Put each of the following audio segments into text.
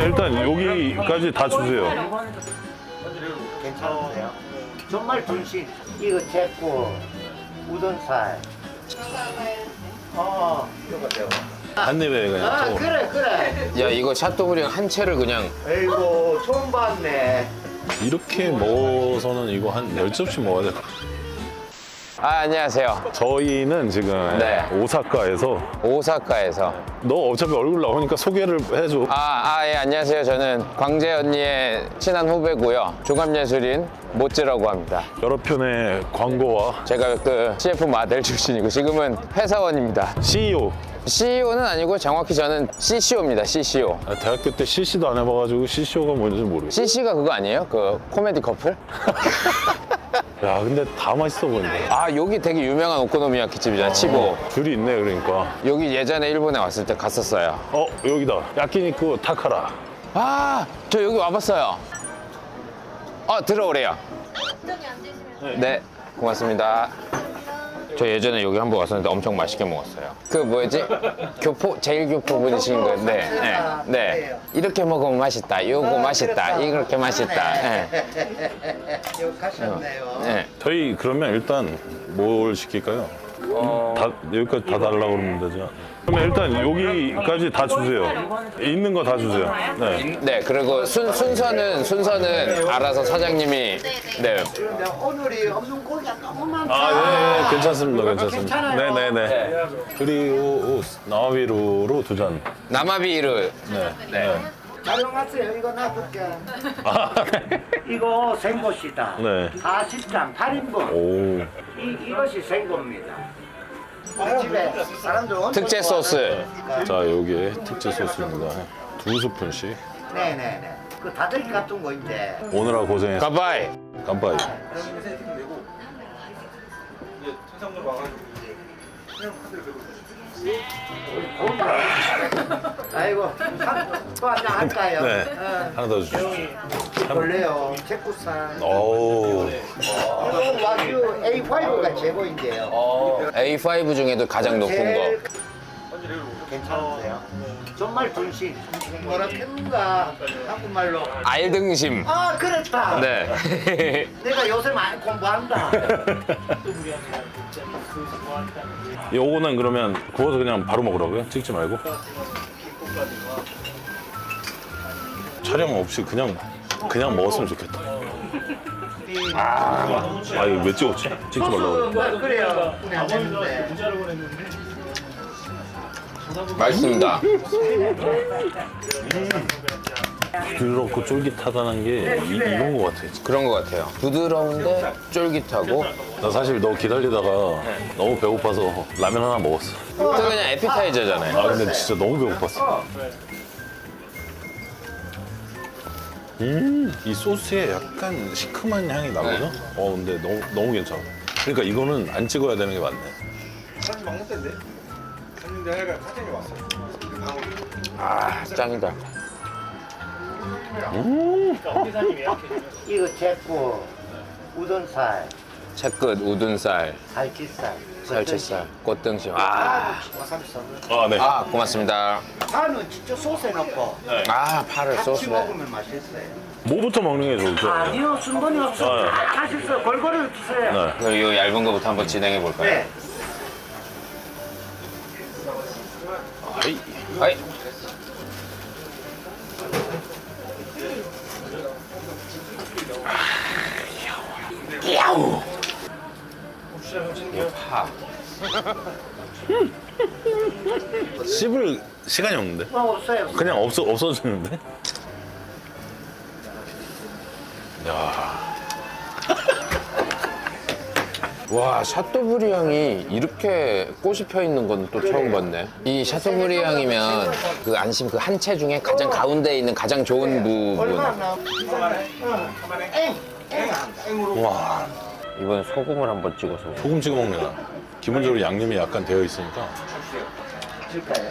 일단 여기까지 다 주세요. 괜찮으세요? 정말 분신 이거 제고 우돈살. 이거 돼요. 한 입에 그냥. 아 또. 그래. 야, 이거 샤또브리앙 한 채를 그냥. 아이고 처음 봤네. 이렇게 먹어서는 이거 한 10접시 먹어야 돼. 아, 안녕하세요. 저희는 지금 네. 오사카에서 오사카에서. 너 어차피 얼굴 나오니까 소개를 해줘. 예, 안녕하세요. 저는 광재 언니의 친한 후배고요. 종합예술인 모찌라고 합니다. 여러 편의 광고와 제가 그 CF 모델 출신이고 지금은 회사원입니다. CEO. CEO는 아니고 정확히 저는 CCO입니다. CCO. 대학교 때 CC도 안 해봐가지고 CCO가 뭔지 모르겠어. CC가 그거 아니에요? 그 코미디 커플? 야, 근데 다 맛있어 보인다. 아, 여기 되게 유명한 오코노미야키 집이잖아. 치보. 줄이 있네, 그러니까. 여기 예전에 일본에 왔을 때 갔었어요. 여기다. 야끼니쿠 타카라. 아, 저 여기 와봤어요. 들어오래요. 네, 고맙습니다. 저 예전에 여기 한번 왔었는데 엄청 맛있게 먹었어요. 그 뭐였지? 제일 교포 분이신 건데, 네. 이렇게 먹으면 맛있다. 요거 맛있다. 이렇게 맛있다. 네. 욕하셨네요. 네. 저희 그러면 일단 뭘 시킬까요? 여기까지 다 달라고 그러면 되죠. 그러면 일단 여기까지 다 주세요. 있는 거 다 주세요. 네. 네, 그리고 순서는 알아서 사장님이, 네. 그런데 오늘이 없는 고기가 너무 많다. 네, 괜찮습니다. 괜찮습니다. 괜찮아요. 네네네. 그리고 나와비루로 2잔. 나마비르. 네. 네. 촬영하세요. 이거 놔둘게. 아, 이거 생고시다. 네. 40장 8인분. 오. 이것이 생고입니다. 집에 사람들 엄청 특제 소스. 자, 여기에 특제 소스입니다. 2스푼씩. 네네네. 그 다들기 같은 거 이제. 오늘아 고생했어. 가바이. 깜빡이. 아이고 또 한잔 할까요? 네. 하나 더 주시죠. 원래요 제쿠산 오. 이거 와규 A5가 최고인데요. A5 중에도 가장 높은 제일 거. 괜찮으세요? 정말 분신 뭐라 했는가 한국말로 알등심. 그렇다. 네. 내가 요새 많이 공부한다. 요거는 그러면 구워서 그냥 바로 먹으라고요? 찍지 말고? 촬영 없이 그냥 먹었으면 좋겠다. 이거 왜 찍었지? 찍지 말라고. 그래요. 안 됐는데. 맛있습니다. 부드럽고 쫄깃하다는 게 이건 것 같아. 그런 것 같아요. 부드러운데 쫄깃하고. 나 사실 너 기다리다가 너무 배고파서 라면 하나 먹었어. 또 그냥 에피타이저잖아요. 근데 진짜 너무 배고팠어. 이 소스에 약간 시큼한 향이 나거든? 근데 너무 괜찮아. 그러니까 이거는 안 찍어야 되는 게 맞네. 사장님 먹는 때인데? 갔는데 하여간 사장님이 왔어요. 짱이다. 이거 제고 우돈살, 채끝, 우둔살, 살치살, 살치살, 꽃등심. 와사비 썰어. 네. 고맙습니다. 파는 진짜 소스에 넣고 파를 같이 소스에. 먹으면 맛있어요. 뭐부터 먹는 게 좋을까요? 아니요, 순번이 없어. 다 맛있어요. 골고루 드세요. 네. 그럼 이 얇은 거부터 한번 진행해 볼까요? 네. 아이. 아이. 야우. 파. 씹을 시간이 없는데? 없어요. 그냥 없어지는데? 야. 와, 샤또브리앙이 이렇게 꽃이 펴 있는 건 또 처음 봤네. 이 샤또브리앙이면 그 안심 그 한 채 중에 가장 가운데에 있는 가장 좋은 부분. 얼마나 나와? 와. 이번에 소금을 한번 찍어서. 소금 찍어 먹는 거. 기본적으로 양념이 약간 되어 있으니까. 줄까요?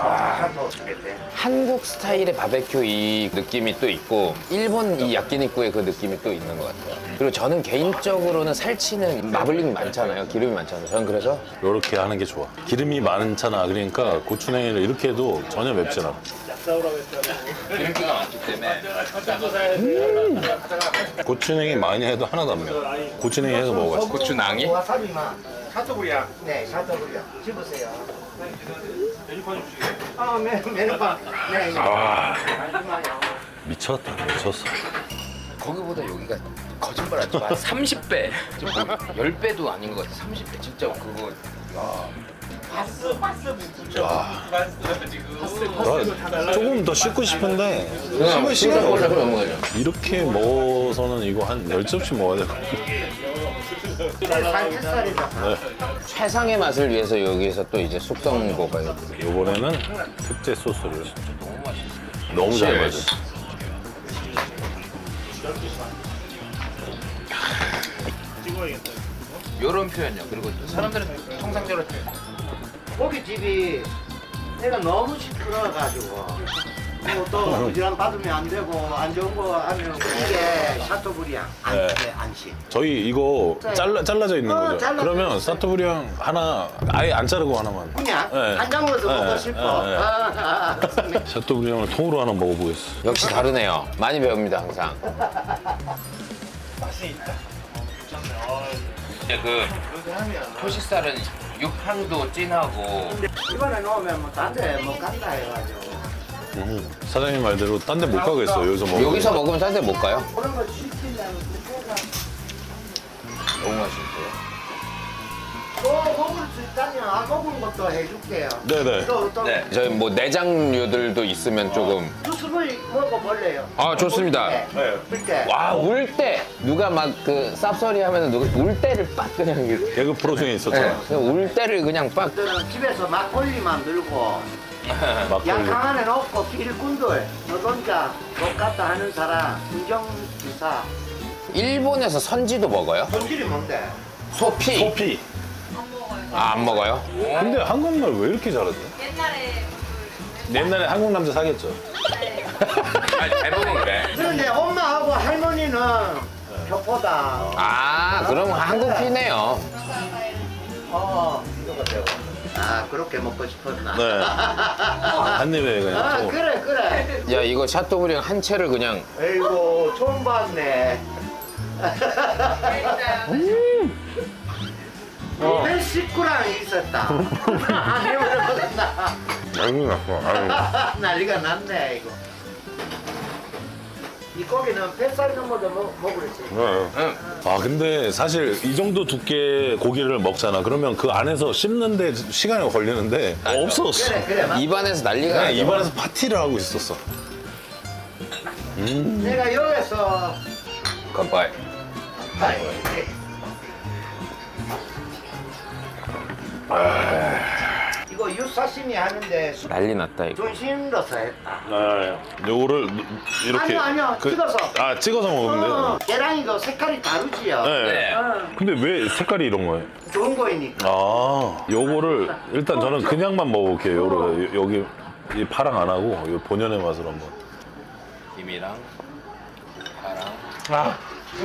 한국 스타일의 바베큐 이 느낌이 또 있고 일본 이 야끼니쿠의 그 느낌이 또 있는 것 같아요. 그리고 저는 개인적으로는 살치는 마블링 많잖아요. 기름이 많잖아요. 저는 그래서 이렇게 하는 게 좋아. 기름이 많잖아. 그러니까 고추냉이를 이렇게 해도 전혀 맵지 않아. 기름기가 많기 때문에. 고추냉이 많이 해도 하나도 안 매워. 고추냉이 해서 먹어봤어. 고추낭이? 와사비만. 샤토브리앙. 네, 샤토브리아. 집으세요. 메뉴판. 네, 네. 아, 잠시만요. 미쳤다, 미쳤어. 거기보다 여기가 거짓말하지 마. 30배. 10배도 아닌 것 같아. 30배. 진짜 그거. 나 조금 더 씻고 싶은데 그냥 시간이 싱거울라 없어. 그러면 이렇게 먹어서는 이거 한 10접시 먹어야 될 것 같아. 살치살이다. 최상의 맛을 위해서 여기서 또 이제 숙성 먹어야 돼. 이번에는 특제 소스를 너무 잘 맞아. 요런 표현이요. 그리고 사람들은 통상적으로 고깃집이 내가 너무 시끄러워가지고 또 부지런 받으면 안 되고 안 좋은 거 하면 이게 샤토브리앙 네. 안심. 저희 이거 잘라져 있는 거죠? 잘라져 그러면 있어요. 사토브리앙 하나 아예 안 자르고 하나만. 그냥 네. 한 장으로도 네, 먹고 싶어. 네, 샤토브리앙을 통으로 하나 먹어보겠어. 역시 다르네요. 많이 배웁니다 항상. 근데 그 토시살은 육향도 진하고 이번에 넣으면 뭐 딴데 못 간다 해가지고 사장님 말대로 딴 데 못 가겠어. 여기서 먹으면. 여기서 먹으면 딴 데 못 가요? 그런 거 시키면 그때가 너무 맛있어요. 또 먹을 수 있다면 먹은 것도 해줄게요. 네네. 또 저희 뭐 내장류들도 있으면 조금. 수습을 먹어볼래요. 아, 좋습니다. 그때 와, 울 때 누가 막 그 쌉소리 하면은 누가 울 때를 빡 그냥 이렇게. 개그 프로 중에 있었잖아. 그냥 울 때를 그냥 빡. 그때는 집에서 막걸리 만들고 막걸리. 양탕 안에 넣고 일꾼들 노동자 못 갔다 하는 사람 운전기사 일본에서 선지도 먹어요? 손질이 뭔데? 소피. 소피. 아, 안 먹어요? 근데 한국말 왜 이렇게 잘하지? 옛날에 한국 남자 사귀었죠. 아니, 대부분 그래. 그런데 엄마하고 할머니는 교포다. 아, 그럼 한국 피네요. 이거 되고. 아 그렇게 먹고 싶었나? 네. 한 입에 그냥. 아 또. 그래. 야, 이거 샤토브리앙 한 채를 그냥. 에이고 처음 봤네. 내 식구랑 있었다. 아니면 먹었나? 난리 났어. 아유. 난리가 났네 이거. 이 고기는 뱃살 넘어도 먹으랬지. 네. 아 근데 사실 이 정도 두께 고기를 먹잖아. 그러면 그 안에서 씹는데 시간이 걸리는데 없었어. 그래. 맞- 입안에서 난리가 그냥 나죠. 입안에서 파티를 하고 있었어. 내가 여기서 깜빡이. 이거 유사시미 하는데 난리 났다, 이거. 존심 넣어서 했다. 요거를 이렇게 아니요, 찍어서. 찍어서 먹으면 돼. 계란이도 색깔이 다르지요. 네. 근데 왜 색깔이 이런 거예요? 좋은 거이니까. 아, 요거를 일단 저는 그냥만 먹어볼게요. 여기 이 파랑 안 하고 요 본연의 맛을 한번. 김이랑 파랑.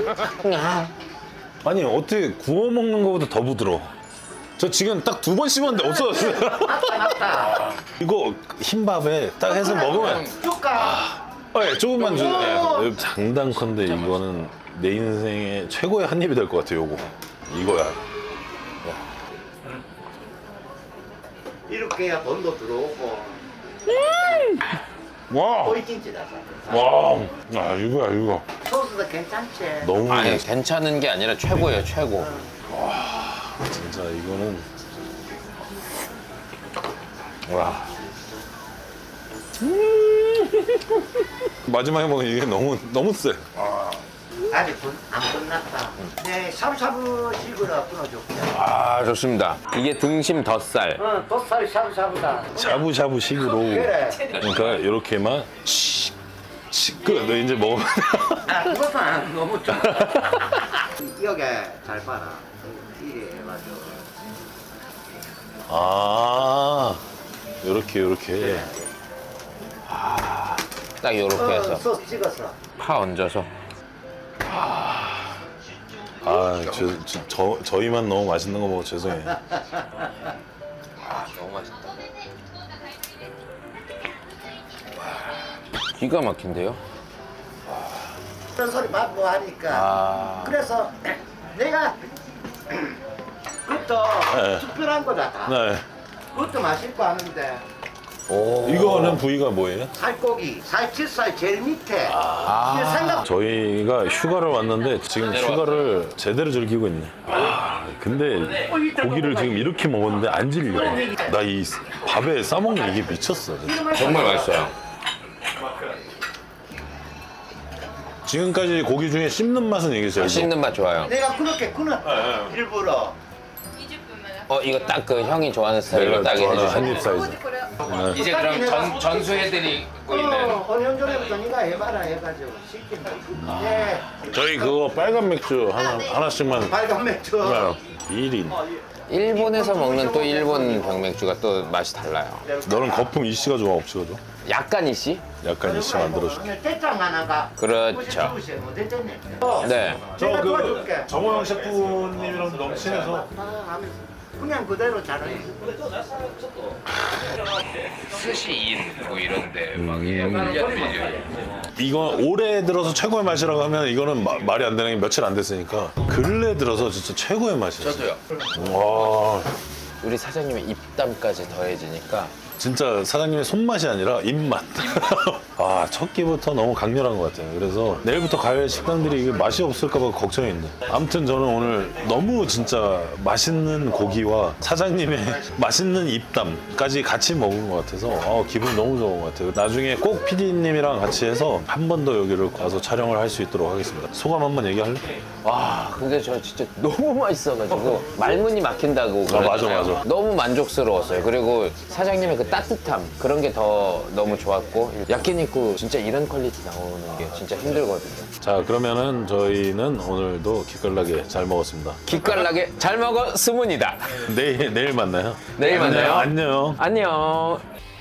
아니 어떻게 구워 먹는 것보다 더 부드러워. 저 지금 딱 2번 씹었는데 없어졌어요. 맞다. 이거 흰밥에 딱 해서 먹으면 줄까? 네, 조금만 주세요. 장단컨대 이거는 내 인생의 최고의 한 입이 될 것 같아요. 요거 이거야. 이렇게 해야 돈도 들어오고. 와, 보이kin지다. 와, 아 이거야 이거. 소스도 괜찮지. 너무 아니, 괜찮은 게 아니라 최고예요, 최고. 진짜 이거는 와. 마지막에 먹은 이게 너무 세. 아직 안 끝났다. 네, 샤브샤브식으로 끊어줄게. 아, 좋습니다. 이게 등심 덧살. 덧살 샤브샤브다. 샤브샤브 식으로. 그래. 그러니까 이렇게만 끝. 너 이제 먹으면 그것은 너무 좀. 여기 잘 봐라. 이래 해가지고. 아, 요렇게. 딱 요렇게 해서 소스 찍어서. 파 얹어서. 아, 저희만 너무 맛있는 거 먹어 죄송해요. 아, 너무 맛있다. 기가 막힌데요? 그런 소리 받고 하니까 아. 그래서 내가 그것도 네. 특별한 거다 다. 네. 그것도 맛있고 하는데 오. 이거는 부위가 뭐예요? 살코기, 살치살 제일 밑에 아. 근데 생각 저희가 휴가를 왔는데 지금 휴가를 제대로 즐기고 있네. 아, 근데 고기를 지금 이렇게 먹었는데 안 질려. 나 이 밥에 싸먹는 이게 미쳤어. 진짜. 정말 맛있어요. 지금까지 고기 중에 씹는 맛은 이게 제일 좋아. 씹는 맛 좋아요. 내가 그렇게 그는 일부러 이거 딱 그 형이 좋아하는 스타일로 내가 딱 좋아하는 해주셔. 한입 사이즈. 이제 그럼 전수해드리고 있는. 5년 전에부터 네가 해봐라 해가지고 시킨다. 네, 저희 그거 빨간 맥주 하나씩만 빨간 맥주. 1인. 일본에서 먹는 또 일본 병맥주가 또 맛이 달라요. 너는 거품 이씨가 좋아 없이가 좋아? 약간 이씨? 약간 이씨 만들어줄게. 대장 하나가. 그렇죠. 뭐 됐겠네. 네. 내가 도와줄게. 정호영 셰프님이랑 너무 친해서 하면서 그냥 그대로 잘해. 스시인 뭐 이런데 막 밀려. 이거 올해 들어서 최고의 맛이라고 하면 이거는 말이 안 되는 게 며칠 안 됐으니까 근래 들어서 진짜 최고의 맛이에요. 저도요. 와 우리 사장님의 입담까지 더해지니까 진짜 사장님의 손맛이 아니라 입맛. 아, 첫 끼부터 너무 강렬한 것 같아요. 그래서 내일부터 가야 할 식당들이 이게 맛이 없을까봐 걱정인데. 아무튼 저는 오늘 너무 진짜 맛있는 고기와 사장님의 맛있는 입담까지 같이 먹은 것 같아서 기분 너무 좋은 것 같아요. 나중에 꼭 PD님이랑 같이 해서 한 번 더 여기를 와서 촬영을 할 수 있도록 하겠습니다. 소감 한번 얘기할래? 와 근데 저 진짜 너무 맛있어가지고 말문이 막힌다고 맞아, 그러잖아요. 맞아. 너무 만족스러웠어요. 그리고 사장님의 그 따뜻함 그런 게 더 너무 좋았고 야끼니쿠 진짜 이런 퀄리티 나오는 게 진짜 힘들거든요. 자, 그러면은 저희는 오늘도 기깔나게 잘 먹었습니다. 기깔나게 잘 먹었으문이다. 내일 만나요. 내일 만나요. 안녕. 안녕.